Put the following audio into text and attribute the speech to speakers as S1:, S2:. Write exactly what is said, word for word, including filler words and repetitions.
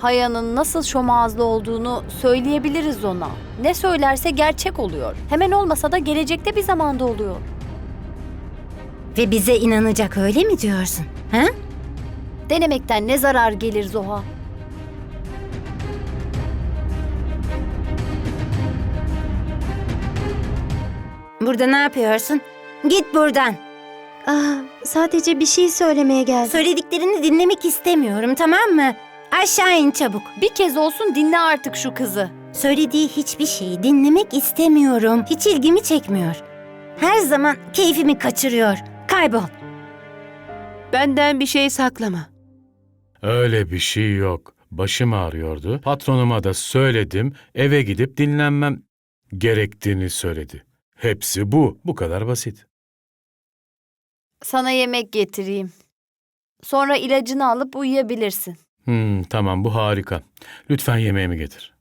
S1: Haya'nın nasıl şomağızlı olduğunu söyleyebiliriz ona. Ne söylerse gerçek oluyor. Hemen olmasa da gelecekte bir zamanda oluyor.
S2: Ve bize inanacak, öyle mi diyorsun? Ha?
S1: Denemekten ne zarar gelir Zoha?
S2: Burada ne yapıyorsun? Git buradan.
S3: Ah, sadece bir şey söylemeye geldim.
S2: Söylediklerini dinlemek istemiyorum, tamam mı? Aşağı in çabuk.
S1: Bir kez olsun dinle artık şu kızı.
S2: Söylediği hiçbir şeyi dinlemek istemiyorum. Hiç ilgimi çekmiyor. Her zaman keyfimi kaçırıyor. Kaybol.
S4: Benden bir şey saklama.
S5: Öyle bir şey yok. Başım ağrıyordu. Patronuma da söyledim. Eve gidip dinlenmem gerektiğini söyledi. Hepsi bu. Bu kadar basit.
S1: Sana yemek getireyim. Sonra ilacını alıp uyuyabilirsin.
S5: Hmm, tamam bu harika. Lütfen yemeğimi getir.